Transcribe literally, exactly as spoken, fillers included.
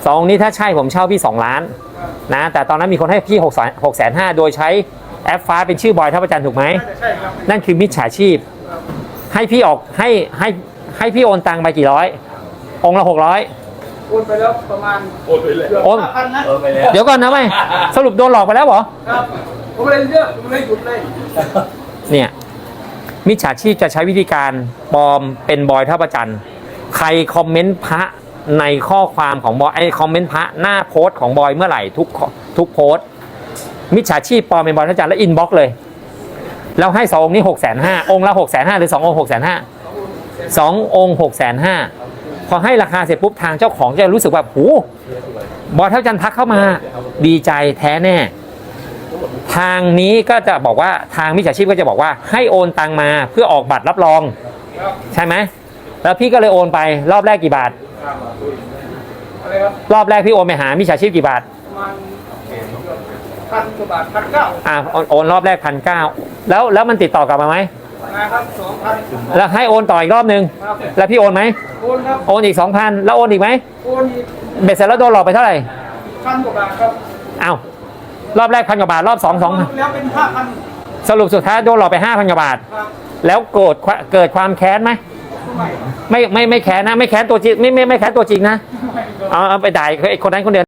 สององค์นี้ถ้าใช่ผมเช่าพี่สองล้านนะแต่ตอนนั้นมีคนให้พี่หกหกแสนห้าโดยใช้แอปฟ้าเป็นชื่อบอยท่าประจันถูกไหมใช่ครับนั่นคือมิจฉาชีพให้พี่ออกให้ให้ให้พี่โอนตังไปกี่ร้อยองค์ละหกร้อยโอนไปแล้วประมาณโอนไปเลยโอนพันนะเดี๋ยวก่อนนะไม่สรุปโดนหลอกไปแล้วเหรอครับผมเลยเลือกผมเลยหยุดเลยเนี่ยมิจฉาชีพจะใช้วิธีการปลอมเป็นบอยท่าประจันใครคอมเมนต์พระในข้อความของบอยไอคอมเมนต์พระหน้าโพสต์ของบอยเมื่อไหร่ทุกทุกโพสต์มิจฉาชีพปลอมเป็นบอยท่าประจันแล้วอินบ็อกซ์เลยแล้วให้สององค์นี้หกแสนห้าองค์ละหกแสนห้าหรือสององค์หกแสนห้าสององค์หกแสนห้าพอให้ราคาเสร็จปุ๊บทางเจ้าของจะรู้สึกแบบโอ้บอยท่าประจันทักเข้ามาดีใจแท้แน่ทางนี้ก็จะบอกว่าทางมิจฉาชีพก็จะบอกว่าให้โอนตังมาเพื่อออกบัตรรับรองใช่ไหมแล้วพี่ก็เลยโอนไปรอบแรกกี่บาทรอบแรกพี่โอนไปหามิจฉาชีพกี่บาทประมาณพันกว่าบาทพันเก้าอ่าโอนรอบแรกพันเก้าแล้วแล้วมันติดต่อกลับมาไหมมาครับสองพันแล้วให้โอนต่ออีกรอบนึงแล้วพี่โอนไหมโอนครับโอนอีกสองพันแล้วโอนอีกไหมโอนอีกเบ็ดเสร็จแล้วโดนหลอกไปเท่าไหร่พันกว่าบาทครับอ้าวรอบแรกพันกว่าบาทรอบสองสองแล้วเป็นห้าพันสรุปสุดท้ายโดนหลอกไปห้าพันกว่าบาทแล้วโกรธเกิดความแค้นไหมไม่ไม่ไม่แค้นนะไม่แค้นตัวจริงไม่ไม่ไม่แค้นตัวจริงนะเอาเอาไปด่าไอ้คนนั้นคนเดียว